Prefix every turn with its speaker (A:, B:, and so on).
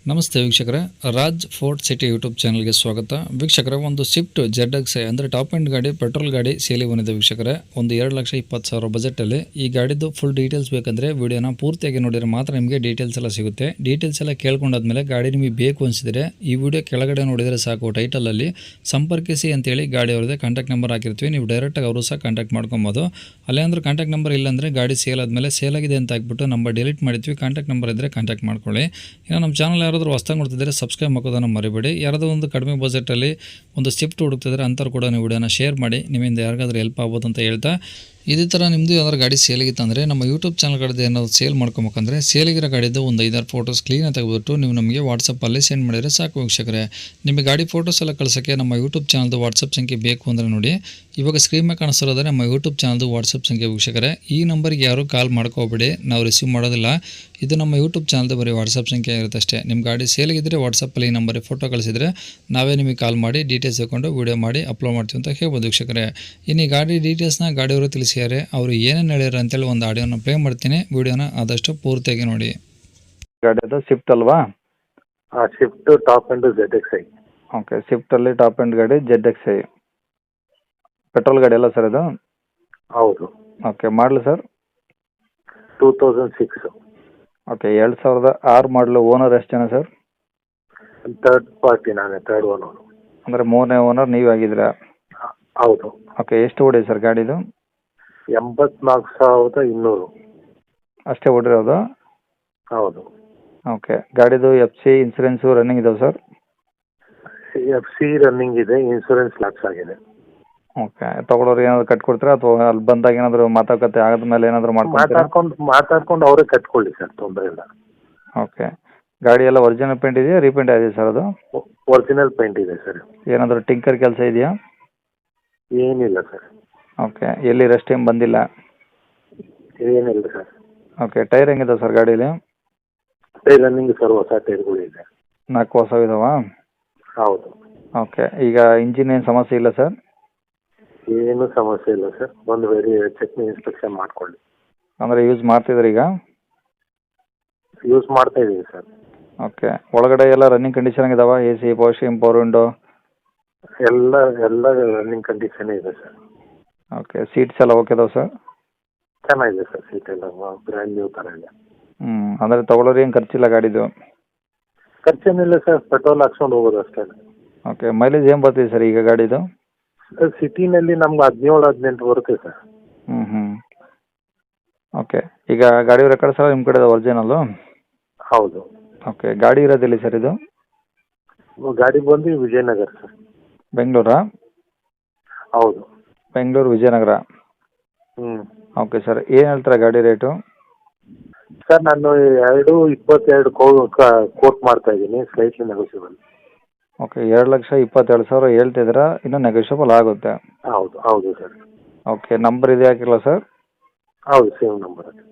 A: ನಮಸ್ತೆ ವೀಕ್ಷಕರೇ, Raj fort city YouTube ಚಾನಲ್ಗೆ ಸ್ವಾಗತ. ವೀಕ್ಷಕರೇ, ಒಂದು ಸ್ವಿಫ್ಟ್ ZXi ಅಂದರೆ ಟಾಪ್ ಎಂಡ್ ಗಾಡಿ, ಪೆಟ್ರೋಲ್ ಗಾಡಿ ಸೇಲಿ ಬಂದಿದೆ ವೀಕ್ಷಕರೇ. ಒಂದು 2,20,000 ಬಜೆಟಲ್ಲಿ ಈ ಗಾಡಿದು ಫುಲ್ ಡೀಟೇಲ್ಸ್ ಬೇಕಂದರೆ ವಿಡಿಯೋನ ಪೂರ್ತಿಯಾಗಿ ನೋಡಿದರೆ ಮಾತ್ರ ನಿಮಗೆ ಡೀಟೇಲ್ಸ್ ಎಲ್ಲ ಸಿಗುತ್ತೆ. ಡೀಟೇಲ್ಸ್ ಎಲ್ಲ ಕೇಳ್ಕೊಂಡಾದ್ಮೇಲೆ ಗಾಡಿ ನಿಮಗೆ ಬೇಕು ಅನಿಸಿದರೆ ಈ ವಿಡಿಯೋ ಕೆಳಗಡೆ ನೋಡಿದರೆ ಸಾಕು, ಟೈಟಲಲ್ಲಿ ಸಂಪರ್ಕಿಸಿ ಅಂತೇಳಿ ಗಾಡಿ ಅವ್ರದ್ದೇ ಕಾಂಟ್ಯಾಕ್ಟ್ ನಂಬರ್ ಹಾಕಿರ್ತೀವಿ. ನೀವು ಡೈರೆಕ್ಟಾಗಿ ಅವರು ಸಹ ಕಾಂಟ್ಯಾಕ್ಟ್ ಮಾಡ್ಕೊಬೋದು. ಅಲ್ಲೇ ಅಂದ್ರೆ ಕಾಂಟ್ಯಾಕ್ಟ್ ನಂಬರ್ ಇಲ್ಲಾಂದರೆ ಗಾಡಿ ಸೇಲ್ ಆದಮೇಲೆ ಸೇಲ್ ಆಗಿದೆ ಅಂತ ಹಾಕ್ಬಿಟ್ಟು ನಂಬರ್ ಡಿಲೀಟ್ ಮಾಡಿದ್ವಿ. ಕಾಂಟ್ಯಾಕ್ಟ್ ನಂಬರ್ ಇದ್ದರೆ ಕಾಂಟ್ಯಾಕ್ಟ್ ಮಾಡ್ಕೊಳ್ಳಿ. ಇನ್ನು ನಮ್ಮ ಚಾನಲ್ ಯಾರಾದರೂ ಹೊಸ್ದಾಗಿ ನೋಡ್ತಿದ್ರೆ ಸಬ್ಸ್ಕ್ರೈಬ್ ಮಾಡೋದನ್ನು ಮರಿಬೇಡಿ. ಯಾರಾದರೂ ಒಂದು ಕಡಿಮೆ ಬಜೆಟಲ್ಲಿ ಒಂದು ಸ್ವಿಫ್ಟ್ ಹುಡುಕ್ತಿದ್ರೆ ಅಂಥವ್ರು ಕೂಡ ನೀವು ವಿಡಿಯೋನ ಶೇರ್ ಮಾಡಿ, ನಿಮ್ಮಿಂದ ಯಾರಿಗಾದ್ರೂ ಹೆಲ್ಪ್ ಆಗ್ಬೋದು ಅಂತ ಹೇಳ್ತಾ, ಇದೇ ಥರ ನಿಮ್ಮದು ಯಾವ್ದಾದ್ರು ಗಾಡಿ ಸೇಲಿಗಿತ್ತು ಅಂದರೆ ನಮ್ಮ ಯೂಟ್ಯೂಬ್ ಚಾನಲ್ ಕಡೆ ಏನಾದ್ರು ಸೇಲ್ ಮಾಡ್ಕೊಬೇಕಂದ್ರೆ ಸೇಲಿಗಿರೋ ಗಾಡಿದ್ದು ಒಂದು 5-6 ಫೋಟೋಸ್ ಕ್ಲೀನಾಗಿ ತೆಗೆದುಬಿಟ್ಟು ನೀವು ನಮಗೆ ವಾಟ್ಸಪ್ಪಲ್ಲಿ ಸೆಂಡ್ ಮಾಡಿದರೆ ಸಾಕು ವೀಕ್ಷಕರೇ. ನಿಮಗೆ ಗಾಡಿ ಫೋಟೋಸ್ ಎಲ್ಲ ಕಳ್ಸೋಕ್ಕೆ ನಮ್ಮ ಯೂಟ್ಯೂಬ್ ಚಾನಲ್ದು ವಾಟ್ಸಪ್ ಸಂಖ್ಯೆ ಬೇಕು ಅಂದರೆ ನೋಡಿ, ಇವಾಗ ಸ್ಕ್ರೀನ್ ಮೇಲೆ ಕಾಣಿಸ್ತಿರೋದ್ರೆ ನಮ್ಮ ಯೂಟ್ಯೂಬ್ ಚಾನಲ್ದು ವಾಟ್ಸಪ್ ಸಂಖ್ಯೆ ವೀಕ್ಷಕರೇ. ಈ ನಂಬರ್ಗೆ ಯಾರು ಕಾಲ್ ಮಾಡ್ಕೋಬೇಡಿ, ನಾವು ರಿಸೀವ್ ಮಾಡೋದಿಲ್ಲ. ಇದು ನಮ್ಮ ಯೂಟ್ಯೂಬ್ ಚಾನಲ್ದು ಬರೀ ವಾಟ್ಸಪ್ ಸಂಖ್ಯೆ ಇರುತ್ತೆ ಅಷ್ಟೇ. ನಿಮ್ಮ ಗಾಡಿ ಸೇಲಿಗಿದ್ದರೆ ವಾಟ್ಸಪ್ಪಲ್ಲಿ ಈ ನಂಬರಿಗೆ ಫೋಟೋ ಕಳಿಸಿದರೆ ನಾವೇ ನಿಮಗೆ ಕಾಲ್ ಮಾಡಿ ಡೀಟೇಲ್ಸ್ ತಗೊಂಡು ವೀಡಿಯೋ ಮಾಡಿ ಅಪ್ಲೋಡ್ ಮಾಡ್ತೀವಿ ಅಂತ ಹೇಳ್ಬೋದು ವೀಕ್ಷಕರೇ. ಇನ್ನು ಈ ಗಾಡಿ ಡೀಟೇಲ್ಸ್ನ ಗಾಡಿಯವರು ತಿಳಿಸಿದ್ದಾರೆ, ಅವರು ಏನೇನು ಹೇಳ್ಯಾರ ಅಂತೇಳಿ ಒಂದು ಆಡಿಯೋನ ಪ್ಲೇ ಮಾಡ್ತೀನಿ, ವಿಡಿಯೋನ ಆದಷ್ಟು ಪೂರ್ತಿಯಾಗಿ ನೋಡಿ.
B: ಗಾಡಿ ಅದು ಸ್ವಿಫ್ಟ್ ಅಲ್ವಾ?
C: Swift top end ZXi.
B: Okay, ಸ್ವಿಫ್ಟಲ್ಲಿ ಟಾಪ್ ಎಂಡ್ ಗಾಡಿ ZXi, ಪೆಟ್ರೋಲ್ ಗಾಡಿ ಅಲ್ಲ ಸರ್ ಇದು?
C: ಹೌದು.
B: ಓಕೆ, ಮಾಡಲು ಸರ್?
C: 2006.
B: ಓಕೆ, 2006 ಮಾಡಲು. ಓನರ್ ಎಷ್ಟು ಜನ ಸರ್?
C: ಥರ್ಡ್ ಪಾರ್ಟಿ, ನಾನೇ ಥರ್ಡ್ ಓನರ್.
B: ಅಂದರೆ ಮೂರನೇ ಓನರ್ ನೀವಾಗಿದ್ದೀರಾ?
C: ಹೌದು.
B: ಓಕೆ, ಎಷ್ಟು ಓಡಿದೆ ಸರ್ ಗಾಡಿದು?
C: 84,200.
B: ಅಷ್ಟೇ ಓಡಿರೋದು?
C: ಹೌದು.
B: ಓಕೆ, ಗಾಡಿದು FC ಇನ್ಸೂರೆನ್ಸು ರನ್ನಿಂಗ್ ಇದಾವೆ ಸರ್?
C: FC ರನ್ನಿಂಗ್ ಇದೆ, ಇನ್ಸೂರೆನ್ಸ್ ಲ್ಯಾಪ್ಸ್ ಆಗಿದೆ.
B: ಓಕೆ, ತಗೊಳ್ಳೋರು ಏನಾದ್ರು ಕಟ್ಕೊಡ್ತೀರಾ ಅಥವಾ ಅಲ್ಲಿ ಬಂದಾಗ ಏನಾದರೂ ಮಾತುಕತೆ ಆದ್ಮೇಲೆ ಏನಾದರೂ
C: ಮಾತಾಡ್ಕೊಂಡು ಅವರೇ ಕಟ್ಕೊಳ್ಳಿ ಸರ್, ತೊಂದರೆ ಇಲ್ಲ.
B: ಓಕೆ, ಗಾಡಿ ಎಲ್ಲ ಒರಿಜಿನಲ್ ಪೇಂಟ್ ಇದೆಯಾ ರೀಪೇಂಟ್ ಆಗಿದೆ ಸರ್ ಅದು?
C: ಒರಿಜಿನಲ್ ಪೇಂಟ್ ಇದೆ ಸರ್.
B: ಏನಾದರೂ ಟಿಂಕರ್ ಕೆಲಸ ಇದೆಯಾ?
C: ಏನಿಲ್ಲ ಸರ್.
B: ಓಕೆ, ಎಲ್ಲಿ ರೆಸ್ಟ್ ಏನು ಬಂದಿಲ್ಲ?
C: ಏನಿಲ್ಲ ಸರ್.
B: ಓಕೆ, ಟೈರ್ ಹೆಂಗಿದೆ ಸರ್ ಗಾಡೀಲಿ?
C: ಟೈರ್ ರನ್ನಿಂಗ್ ಸರ್, ಹೊಸ ಟೈರ್ಗಳು ಇದೆ.
B: 4 ಹೊಸ ಇದಾವಾ?
C: ಹೌದು.
B: ಓಕೆ, ಈಗ ಇಂಜಿನ್ ಏನು ಸಮಸ್ಯೆ ಇಲ್ಲ ಸರ್?
C: ಏನು ಸಮಸ್ಯೆ ಇಲ್ಲ ಸರ್, ಒಂದು ವೇರಿ ಚೆಕ್ನಿ ಇನ್ಸ್ಪೆಕ್ಷನ್ ಮಾಡ್ಕೊಳ್ಳಿ.
B: ಅಂದರೆ ಯೂಸ್ ಮಾಡ್ತಿದ್ರಿ ಈಗ?
C: ಯೂಸ್ ಮಾಡ್ತಾ ಇದ್ದೀವಿ ಸರ್.
B: ಓಕೆ, ಒಳಗಡೆ ಎಲ್ಲ ರನ್ನಿಂಗ್ ಕಂಡೀಷನ್ ಇದಾವ? AC, power steering, power window
C: ಎಲ್ಲ ರನ್ನಿಂಗ್ ಕಂಡೀಷನ್ ಇದೆ ಸರ್.
B: ಓಕೆ, ಸೀಟ್ಸ್ ಎಲ್ಲ ಓಕೆ ಇದಾವೆ ಸರ್?
C: ಚೆನ್ನಾಗಿದೆ ಸರ್, ಸೀಟ್ ಎಲ್ಲ ಬ್ರ್ಯಾಂಡ್ ನ್ಯೂ ಥರ ಇದೆ.
B: ಅಂದರೆ ತಗೊಳ್ಳೋರು ಏನು ಖರ್ಚಿಲ್ಲ ಗಾಡಿದು?
C: ಖರ್ಚೇನಿಲ್ಲ ಸರ್, ಪೆಟ್ರೋಲ್ ಹಾಕ್ಸ್ಕೊಂಡು ಹೋಗೋದು ಅಷ್ಟೇ.
B: ಓಕೆ, ಮೈಲೇಜ್ ಏನು ಬರ್ತಿದೆ ಸರ್ ಈಗ ಗಾಡಿದು?
C: ಸಿಟಿನಲ್ಲಿ ನಮ್ಗೆ 17-18 ಬರುತ್ತೆ ಸರ್.
B: ಓಕೆ, ಈಗ ಗಾಡಿ ರೆಕಾರ್ಡ್ಸ್ ಎಲ್ಲ ನಿಮ್ಮ ಕಡೆ ಒರಿಜಿನಲ್ಲು?
C: ಹೌದು.
B: ಓಕೆ, ಗಾಡಿ ಇರೋದಿಲ್ಲ ಸರ್ ಇದು?
C: ಗಾಡಿ ಬಂದು ವಿಜಯನಗರ ಸರ್.
B: ಬೆಂಗಳೂರಾ?
C: ಹೌದು.
B: ಬೆಂಗಳೂರು ವಿಜಯನಗರ. ಓಕೆ ಸರ್, ಏನು ಹೇಳ್ತೀರಾ ಗಾಡಿ ರೇಟು?
C: ಸರ್ ನಾನು 2.22 ಕೋಟ್ ಮಾಡ್ತಾ ಇದ್ದೀನಿ, ಸ್ಲೈಟ್ಲಿ ನೆಗೋಷಿಯಬಲ್.
B: ಓಕೆ, 2,27,000 ಹೇಳ್ತಿದ್ದೀರಾ, ಇನ್ನೂ ನೆಗೋಷಿಯಬಲ್ ಆಗುತ್ತೆ?
C: ಹೌದು ಹೌದು ಸರ್.
B: ಓಕೆ, ನಂಬರ್ ಇದೆ ಹಾಕಿರಲ್ಲ ಸರ್?
C: ಹೌದು, ಸೇಮ್ ನಂಬರ್.